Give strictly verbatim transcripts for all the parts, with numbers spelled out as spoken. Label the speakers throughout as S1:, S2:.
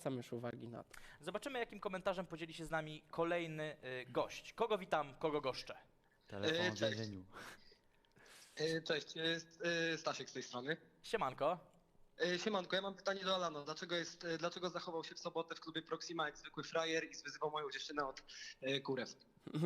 S1: zwracam już uwagi na to.
S2: Zobaczymy, jakim komentarzem podzieli się z nami kolejny y, gość. Kogo witam, kogo goszczę?
S3: Telefon w
S4: Cześć.
S3: więzieniu.
S4: E, Cześć, e, e, Stasiek z tej strony.
S2: Siemanko.
S4: E, Siemanko, ja mam pytanie do Alana. Dlaczego, jest, e, dlaczego zachował się w sobotę w klubie Proxima jak zwykły frajer i zwyzywał moją dziewczynę od e, kurew?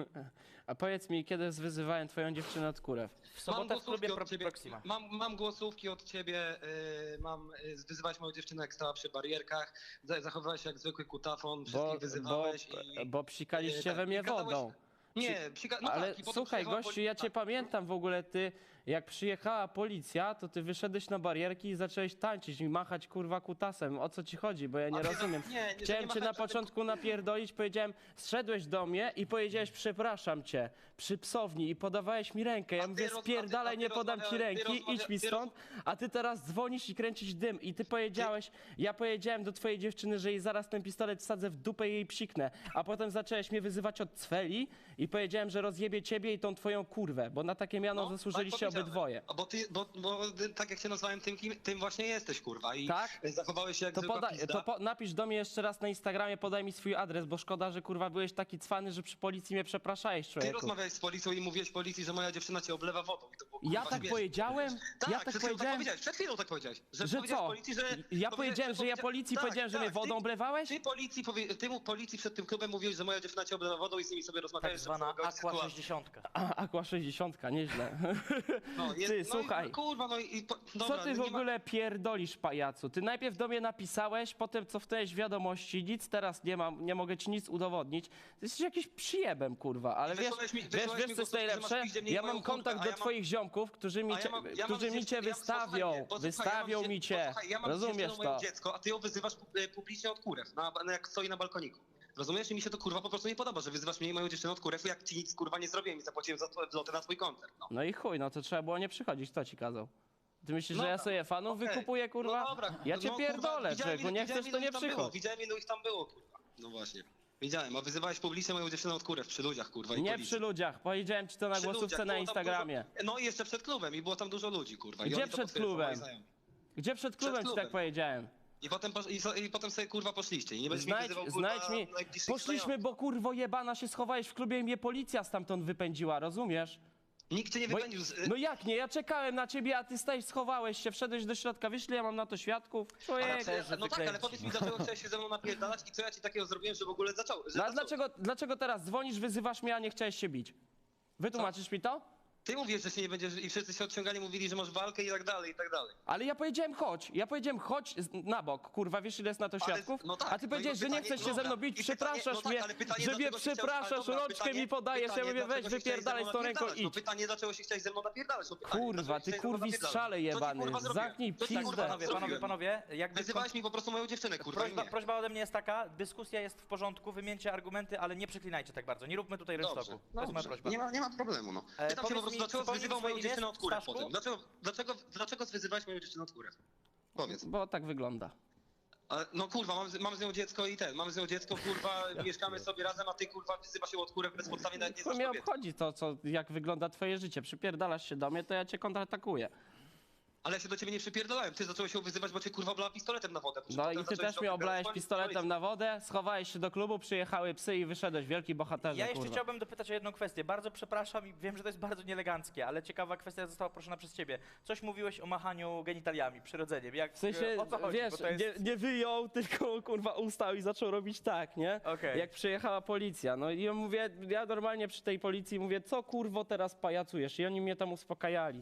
S1: A powiedz mi, kiedy wyzywałem twoją dziewczynę od kurew?
S2: W sobotę w klubie Pro
S4: od ciebie,
S2: Proxima.
S4: mam, mam głosówki od ciebie, e, mam e, wyzywać moją dziewczynę jak stała przy barierkach, za- zachowywałeś się jak zwykły kutafon, wszystkich
S1: Bo,
S4: wyzywałeś
S1: bo,
S4: i...
S1: bo psikaliście
S4: tak,
S1: we mnie
S4: i gadałeś-
S1: wodą.
S4: Nie, psika... no
S1: Ale
S4: tak, i potem
S1: słuchaj,
S4: przyjechała
S1: gościu,
S4: poli-
S1: ja cię
S4: tak.
S1: pamiętam w ogóle, ty, jak przyjechała policja, to ty wyszedłeś na barierki i zacząłeś tańczyć i machać kurwa kutasem. O co ci chodzi? Bo ja nie
S4: A ty-
S1: rozumiem.
S4: nie, nie, że
S1: Chciałem
S4: nie
S1: cię na
S4: machałem żadnym-
S1: początku napierdolić, powiedziałem, zszedłeś do mnie i powiedziałeś, przepraszam cię, przy psowni i podawałeś mi rękę. Ja
S4: A ty
S1: mówię,
S4: roz- a ty-
S1: spierdalaj,
S4: a ty
S1: nie podam ci
S4: rozmawiałeś- ty
S1: ręki, idź
S4: rozmawia-
S1: mi
S4: ty
S1: stąd, a ty teraz dzwonisz i kręcisz dym. I ty powiedziałeś, ja powiedziałem do twojej dziewczyny, że jej zaraz ten pistolet wsadzę w dupę i jej psiknę. A potem zacząłeś mnie wyzywać od cweli i powiedziałem, że rozjebie ciebie i tą twoją kurwę, bo na takie miano
S4: No,
S1: zasłużyliście
S4: tak powiedziałem.
S1: obydwoje.
S4: A Bo ty, bo, bo ty, tak jak się nazwałem, tym, kim, tym właśnie jesteś, kurwa. I
S1: Tak?
S4: zachowałeś się jak
S1: To,
S4: zwykła
S1: poda-
S4: pizda.
S1: to po- napisz do mnie jeszcze raz na Instagramie, podaj mi swój adres, bo szkoda, że kurwa byłeś taki cwany, że przy policji mnie przepraszałeś,
S4: Ty
S1: człowieku.
S4: rozmawiałeś z policją i mówiłeś policji, że moja dziewczyna cię oblewa wodą. I to było,
S1: Ja
S4: kurwa,
S1: tak
S4: śmieszne.
S1: powiedziałem?
S4: Tak,
S1: Ja tak
S4: przed chwilą tak
S1: powiedziałem?
S4: powiedziałeś, przed chwilą tak powiedziałeś. Że,
S1: Że
S4: powiedziałeś
S1: co?
S4: Policji, że,
S1: Ja
S4: powiedziałeś-
S1: powiedziałem, że ja
S4: powiedzia-
S1: policji
S4: tak,
S1: powiedziałem, że
S4: tak,
S1: mnie wodą
S4: ty,
S1: oblewałeś?
S4: Ty policji, powie, ty mu policji przed tym klubem mówiłeś, że moja dziewczyna cię oblewa wodą i z nimi sobie
S2: Tak
S4: rozmawiałeś.
S2: zwana
S4: żeby załagodzić
S2: Aqua
S4: sytuację.
S2: sześćdziesiąt.
S1: A, Aqua sześćdziesiąt, nieźle.
S4: No, jest,
S1: Ty,
S4: no
S1: słuchaj.
S4: I, no, kurwa, no i... Po, dobra,
S1: Co ty w
S4: nie ma-
S1: ogóle pierdolisz, pajacu? Ty najpierw do mnie napisałeś, potem cofnąłeś wiadomości, nic teraz nie mam, nie mogę ci nic udowodnić. Ty jesteś jakiś przyjebem, kurwa, ale wiesz,
S4: Wysłałeś mi-
S1: wiesz,
S4: wysłałeś
S1: wiesz
S4: mi
S1: co jest
S4: głosówkę, że masz
S1: najlepsze?
S4: piździe mniej
S1: Ja
S4: moją
S1: mam
S4: kurtkę,
S1: kontakt
S4: a
S1: do
S4: ja mam-
S1: twoich ziomków, którzy mi
S4: A
S1: cię,
S4: ja mam, ja mam
S1: którzy mi cię
S4: dziewczynę- ja-
S1: wystawią,
S4: posłuchaj mnie, bo słuchaj,
S1: wystawią
S4: ja mam
S1: mi
S4: dzie-
S1: cię,
S4: posłuchaj, ja mam
S1: rozumiesz
S4: dziewczyną moje
S1: to?
S4: dziecko, a ty ją wyzywasz e, publicznie od kurew, na, na, jak stoi na balkoniku. Rozumiesz? I mi się to kurwa po prostu nie podoba, że wyzywasz mnie i moją dziewczynę od kurew, jak ci nic kurwa nie zrobiłem i zapłaciłem za twoje złote na twój koncert. No.
S1: No i chuj, no to trzeba było nie przychodzić, kto ci kazał? Ty myślisz,
S4: No
S1: że ja
S4: tak,
S1: sobie fanów
S4: okej.
S1: wykupuję, kurwa?
S4: No dobra,
S1: Ja cię
S4: no,
S1: pierdolę,
S4: kurwa, widziałem,
S1: człowieku, nie
S4: widziałem,
S1: chcesz, to
S4: ilu
S1: nie
S4: ich tam było,
S1: przychodź.
S4: Widziałem, ilu ich tam było, kurwa. No właśnie. Widziałem, a wyzywałeś publicznie moją dziewczynę od kurew przy ludziach, kurwa, i
S1: Nie
S4: policji.
S1: przy ludziach, powiedziałem ci to na
S4: Przy
S1: głosówce
S4: ludziach,
S1: na
S4: było tam
S1: Instagramie.
S4: Dużo, no i jeszcze przed klubem i było tam dużo ludzi, kurwa. I
S1: Gdzie
S4: oni to
S1: przed
S4: potwierdzą,
S1: klubem?
S4: moi znajomi.
S1: Gdzie przed klubem ci
S4: klubem.
S1: tak powiedziałem?
S4: I potem, posz- i, so- I potem sobie kurwa poszliście i nie będziesz
S1: Znajdź,
S4: mi wyzywał kurwa
S1: znajdź mi.
S4: najbliższych
S1: Poszliśmy,
S4: znajomych.
S1: bo kurwo jebana się schowałeś w klubie i mnie policja stamtąd wypędziła, rozumiesz?
S4: Nikt cię nie
S1: Bo,
S4: wypędził z...
S1: no jak nie? Ja czekałem na ciebie, a ty stałeś, schowałeś się, wszedłeś do środka, wyszli, ja mam na to świadków. Człowiek.
S4: Ale,
S2: też, że
S4: no tak, ale
S2: wykręci.
S4: powiedz mi, dlaczego chciałeś się ze mną napierdalać i co ja ci takiego zrobiłem, że w ogóle zaczął... Że
S1: No a
S4: zaczął-
S1: dlaczego, dlaczego teraz dzwonisz, wyzywasz mnie, a nie chciałeś się bić? Wytłumaczysz mi to?
S4: Ty mówisz, że się nie będziesz... I wszyscy się odciągali, mówili, że masz walkę i tak dalej, i tak dalej.
S1: Ale ja powiedziałem chodź, ja powiedziałem chodź z- na bok, kurwa, wiesz ile jest na to
S4: Ale-
S1: świadków?
S4: no tak,
S1: A ty
S4: no
S1: powiedziałeś,
S4: i
S1: że nie
S4: pytanie-
S1: chcesz się ze mną
S4: dobra.
S1: bić,
S4: I pytanie-
S1: przepraszasz
S4: no tak,
S1: mnie,
S4: ale pytanie,
S1: że mnie
S4: dlaczego się chciałeś-
S1: przepraszasz,
S4: ale dobra,
S1: rączkę
S4: pytanie-
S1: mi podajesz, ja
S4: pytanie,
S1: mówię weź
S4: dlaczego się chciałeś ze
S1: wypierdalaj
S4: mną
S1: z tą ręką
S4: napierdalać? No
S1: idź.
S4: pytanie, dlaczego się chciałeś ze mną napierdalać? No pytanie,
S1: Kurwa,
S4: dlaczego
S1: ty
S4: się chciałeś ze mną
S1: kurwi
S4: napierdalać?
S1: strzale
S4: Co ci,
S1: jebany,
S4: kurwa, zrobiłem?
S1: zamknij
S4: Co ci,
S1: pizdę.
S4: kurwa,
S2: Panowie, panowie,
S4: zrobiłem?
S2: panowie, jakby
S4: Wyzywałeś mi po prostu moją dziewczynę, kurwa, i
S2: prośba,
S4: nie.
S2: prośba ode mnie jest taka, dyskusja jest w porządku, wymieńcie argumenty, ale nie przeklinajcie tak bardzo, nie róbmy tutaj
S4: Dobrze,
S2: rynsztoku. To jest moja
S4: dobrze.
S2: prośba.
S4: Nie ma, nie ma problemu, no.
S2: E,
S4: Pytam się
S2: powiedz
S4: po prostu,
S2: mi,
S4: dlaczego
S2: przypomnij
S4: wyzywał
S2: swoje
S4: moją
S2: imię,
S4: dziewczynę od kurew
S2: Staszku?
S4: potem? Dlaczego, dlaczego, dlaczego zwyzywałeś moją dziewczynę od kurew? Powiedz.
S1: Bo tak wygląda.
S4: Ale, no kurwa, mam, z- mam z nią dziecko i ten, mam z nią dziecko, kurwa, mieszkamy sobie razem, a ty kurwa wyzywasz się od kurew bezpodstawnie, nawet nie
S1: Co
S4: znasz
S1: mnie
S4: kobiety.
S1: obchodzi to, co, jak wygląda twoje życie? Przypierdalasz się do mnie, to ja cię kontratakuję.
S4: Ale ja się do ciebie nie przypierdolałem, ty zacząłeś się wyzywać, bo cię kurwa oblała pistoletem na wodę.
S1: No i ty też mnie oblałeś pistoletem na wodę, schowałeś się do klubu, przyjechały psy i wyszedłeś, wielki bohaterze,
S2: Ja jeszcze
S1: kurwa.
S2: chciałbym dopytać o jedną kwestię. Bardzo przepraszam i wiem, że to jest bardzo nieeleganckie, ale ciekawa kwestia została proszona przez ciebie. Coś mówiłeś o machaniu genitaliami, przyrodzeniem. Jak,
S1: W sensie,
S2: o co chodzi?
S1: wiesz,
S2: Bo to jest...
S1: nie, nie wyjął, tylko kurwa ustał i zaczął robić tak, nie?
S2: Okej.
S1: Jak przyjechała policja. No i ja mówię, ja normalnie przy tej policji mówię, co kurwo teraz pajacujesz? I oni mnie tam uspokajali.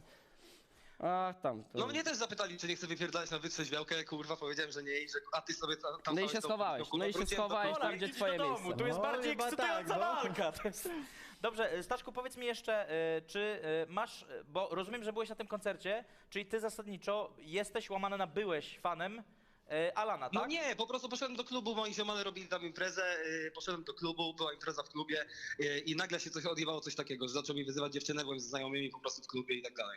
S1: Ach, tam. To...
S4: No mnie też zapytali, czy nie chcę wypierdalać na wytrzeźwiałkę, kurwa, powiedziałem, że nie i że a ty sobie tam... tam
S1: No i
S4: stałeś
S1: się
S4: do-
S1: schowałeś,
S4: do- kurwa,
S1: no i się
S4: wróciłem do
S1: schowałeś
S4: domu.
S1: tam, gdzie
S2: idź
S1: twoje
S2: do domu,
S1: miejsce.
S2: tu jest
S3: No,
S2: bardziej
S3: chyba
S2: ekscytująca
S3: tak, no.
S2: walka. To jest... Dobrze, Staszku, powiedz mi jeszcze, y, czy y, masz, y, bo rozumiem, że byłeś na tym koncercie, czyli ty zasadniczo jesteś łamany na byłeś fanem y, Alana, tak?
S4: No nie, po prostu poszedłem do klubu, moi ziomale robili tam imprezę, yy, poszedłem do klubu, była impreza w klubie yy, i nagle się coś odjebało, coś takiego, że zaczął mi wyzywać dziewczynę, byłem z znajomymi po prostu w klubie i tak dalej, no.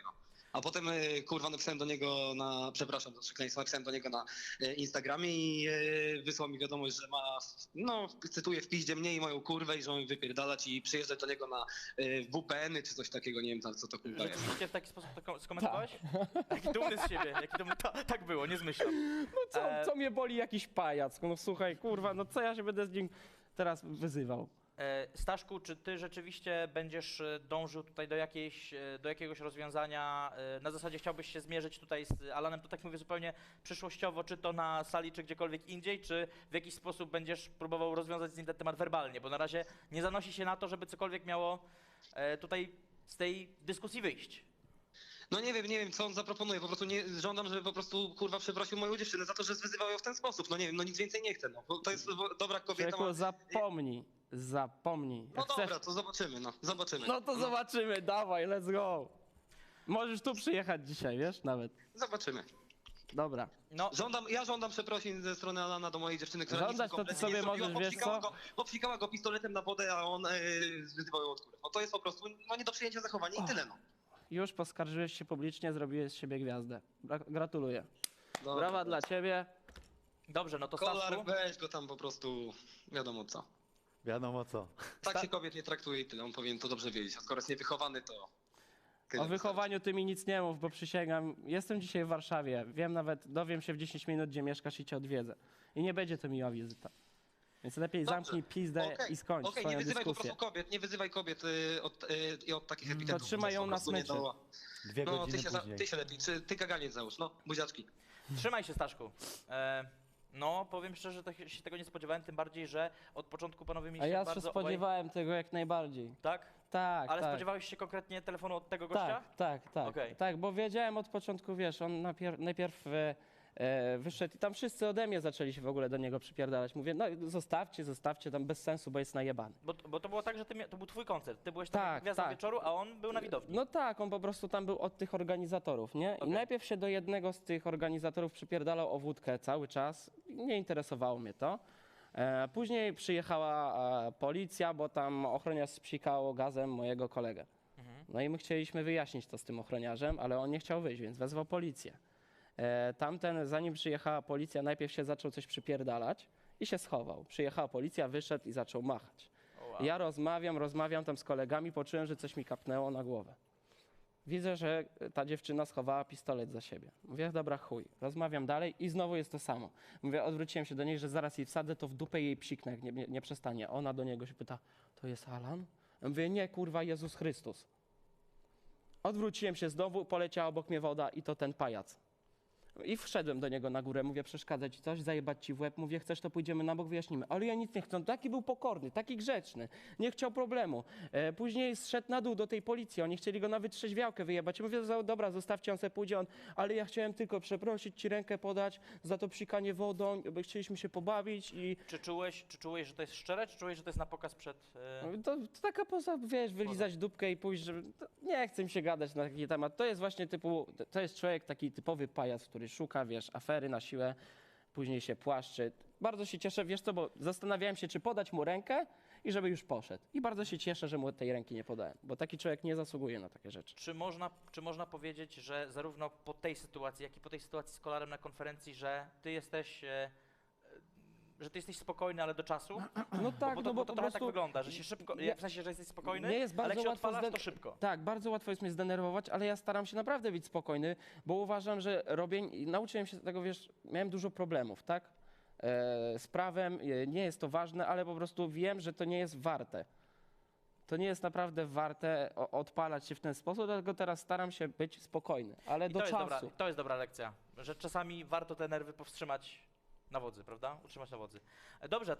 S4: A potem, e, kurwa, napisałem do niego na, przepraszam za przekleństwo, napisałem do niego na e, Instagramie i e, wysłał mi wiadomość, że ma, no, cytuję, w piździe mnie i moją kurwę i że mam wypierdalać i przyjeżdżać do niego na e, W P N-y czy coś takiego, nie wiem tam, co to kurwa jest.
S2: Rzeczywiście w taki sposób to kom- skomentowałeś? Jaki dumny z siebie, jaki dumny, ta, tak było, nie zmyślam.
S1: No co,
S2: E,
S1: co mnie boli jakiś pajac? No słuchaj, kurwa, no co ja się będę z nim teraz wyzywał?
S2: E, Staszku, czy ty rzeczywiście będziesz e, dążył tutaj do, jakiejś, e, do jakiegoś rozwiązania, e, na zasadzie chciałbyś się zmierzyć tutaj z Alanem, to tak mówię zupełnie przyszłościowo, czy to na sali, czy gdziekolwiek indziej, czy w jakiś sposób będziesz próbował rozwiązać z nim ten temat werbalnie, bo na razie nie zanosi się na to, żeby cokolwiek miało e, tutaj z tej dyskusji wyjść.
S4: No nie wiem, nie wiem, co on zaproponuje, po prostu nie, żądam, żeby po prostu, kurwa, przeprosił moją dziewczynę za to, że zwyzywał ją w ten sposób, no nie wiem, no nic więcej nie chcę, no, bo to jest dobra kobieta.
S1: Człowieku,
S4: Ma...
S1: zapomnij, zapomnij.
S4: No
S1: Jak
S4: dobra,
S1: chcesz,
S4: to zobaczymy, no, zobaczymy.
S1: no to zobaczymy, dawaj, let's go. Możesz tu przyjechać dzisiaj, wiesz, nawet.
S4: Zobaczymy.
S1: Dobra.
S2: No,
S4: Żądam, ja żądam przeprosin ze strony Alana do mojej dziewczyny, która
S1: Żądać
S4: nic mu
S1: to ty
S4: kompletnie
S1: sobie
S4: nie zrobiła,
S1: możesz, wiesz
S4: popsikała
S1: co?
S4: Go, popsikała go pistoletem na wodę, a on e, zwyzywał ją od góry. No to jest po prostu, no nie do przyjęcia zachowania i tyle, no.
S1: Już poskarżyłeś się publicznie, zrobiłeś z siebie gwiazdę. Gra- Gratuluję.
S4: Dobra.
S1: Brawa dla ciebie.
S2: dobrze, no to
S4: Kolar,
S2: Staszku,
S4: weź go tam po prostu, wiadomo co.
S3: Wiadomo co.
S4: Tak się kobiet nie traktuje i tyle, on powinien to dobrze wiedzieć, a skoro jest niewychowany, to... tyle
S1: O wychowaniu ty mi nic nie mów, bo przysięgam, jestem dzisiaj w Warszawie, wiem nawet, dowiem się w dziesięć minut, gdzie mieszkasz i cię odwiedzę. I nie będzie to miła wizyta. Więc lepiej
S4: Dobrze.
S1: zamknij pizdę
S4: Okej,
S1: i skończ
S4: Okej,
S1: swoją
S4: nie wyzywaj po
S1: dyskusję.
S4: prostu kobiet, nie wyzywaj kobiet y, od, y, i od takich epitetów.
S1: trzymaj ją
S4: po
S1: na
S4: prostu nie
S1: smyczy.
S4: doła.
S3: Dwie
S4: No,
S3: godziny
S4: ty się, za,
S3: później.
S4: ty się lepiej, czy ty kaganiec załóż, no, buziaczki.
S2: trzymaj się Staszku. E, no, powiem szczerze, że się tego nie spodziewałem, tym bardziej, że od początku panowie
S1: A
S2: mieliście
S1: ja się
S2: bardzo...
S1: spodziewałem tego jak najbardziej.
S2: Tak?
S1: Tak,
S2: Ale
S1: tak.
S2: spodziewałeś się konkretnie telefonu od tego gościa?
S1: Tak, tak, tak.
S2: Okej.
S1: Tak, bo wiedziałem od początku, wiesz, on napier- najpierw e, e, wyszedł i tam wszyscy ode mnie zaczęli się w ogóle do niego przypierdalać. Mówię, no zostawcie, zostawcie, tam bez sensu, bo jest najebany.
S2: Bo, bo to było tak, że ty mia- to był twój koncert, ty byłeś tam
S1: Tak,
S2: jako gwiazdą
S1: tak.
S2: wieczoru, a on był na widowni.
S1: No tak, on po prostu tam był od tych organizatorów, nie? I
S2: Okej.
S1: najpierw się do jednego z tych organizatorów przypierdalał o wódkę cały czas. Nie interesowało mnie to. E, później przyjechała e, policja, bo tam ochroniarz spsikał gazem mojego kolegę.
S2: Mhm.
S1: No i my chcieliśmy wyjaśnić to z tym ochroniarzem, ale on nie chciał wyjść, więc wezwał policję. E, tamten, zanim przyjechała policja, najpierw się zaczął coś przypierdalać i się schował. Przyjechała policja, wyszedł i zaczął machać.
S2: O, wow.
S1: Ja rozmawiam, rozmawiam tam z kolegami, poczułem, że coś mi kapnęło na głowę. Widzę, że ta dziewczyna schowała pistolet za siebie. Mówię, dobra, chuj. Rozmawiam dalej i znowu jest to samo. Mówię, odwróciłem się do niej, że zaraz jej wsadzę, to w dupę jej psiknę, jak nie, nie, nie przestanie. Ona do niego się pyta, to jest Alan? Ja mówię, nie, kurwa, Jezus Chrystus. Odwróciłem się znowu, poleciała obok mnie woda i to ten pajac. I wszedłem do niego na górę, mówię, przeszkadza ci coś, zajebać ci w łeb, mówię, chcesz, to pójdziemy na bok, wyjaśnimy. Ale ja nic nie chcę, on taki był pokorny, taki grzeczny, nie chciał problemu. E, później zszedł na dół do tej policji, oni chcieli go na wytrzeźwiałkę wyjebać. Mówię, za- dobra, zostawcie, on sobie pójdzie, on, ale ja chciałem tylko przeprosić, ci rękę podać za to psikanie wodą, bo chcieliśmy się pobawić i
S2: Czy czułeś, czy czułeś, że to jest szczere, czy czułeś, że to jest na pokaz przed... E...
S1: to, to taka poza, wiesz, wylizać dupkę i pójść, żeby, to nie chce mi się gadać na taki temat. To jest właśnie typu, to jest człowiek taki typowy pajac, który szuka, wiesz, afery na siłę, później się płaszczy. Bardzo się cieszę, wiesz co, bo zastanawiałem się, czy podać mu rękę i żeby już poszedł. I bardzo się cieszę, że mu tej ręki nie podałem, bo taki człowiek nie zasługuje na takie rzeczy.
S2: Czy można, czy można powiedzieć, że zarówno po tej sytuacji, jak i po tej sytuacji z Kolarem na konferencji, że ty jesteś, e, e, że ty jesteś spokojny, ale do czasu?
S1: No tak,
S2: bo to,
S1: no bo
S2: bo to
S1: po
S2: trochę
S1: prostu...
S2: tak wygląda, że się szybko,
S1: Nie-
S2: w sensie, że jesteś spokojny,
S1: nie jest
S2: ale
S1: bardzo
S2: jak się
S1: łatwo
S2: odpalasz,
S1: zden-
S2: to szybko.
S1: Tak, bardzo łatwo jest mnie zdenerwować, ale ja staram się naprawdę być spokojny, bo uważam, że robię, i nauczyłem się tego, wiesz, miałem dużo problemów, tak? E, z prawem, e, nie jest to ważne, ale po prostu wiem, że to nie jest warte. To nie jest naprawdę warte o, odpalać się w ten sposób, dlatego teraz staram się być spokojny, ale
S2: I
S1: do
S2: to jest,
S1: czasu.
S2: dobra, to jest dobra lekcja, że czasami warto te nerwy powstrzymać na wodzy, prawda? Utrzymać na wodzy. E, Dobrze.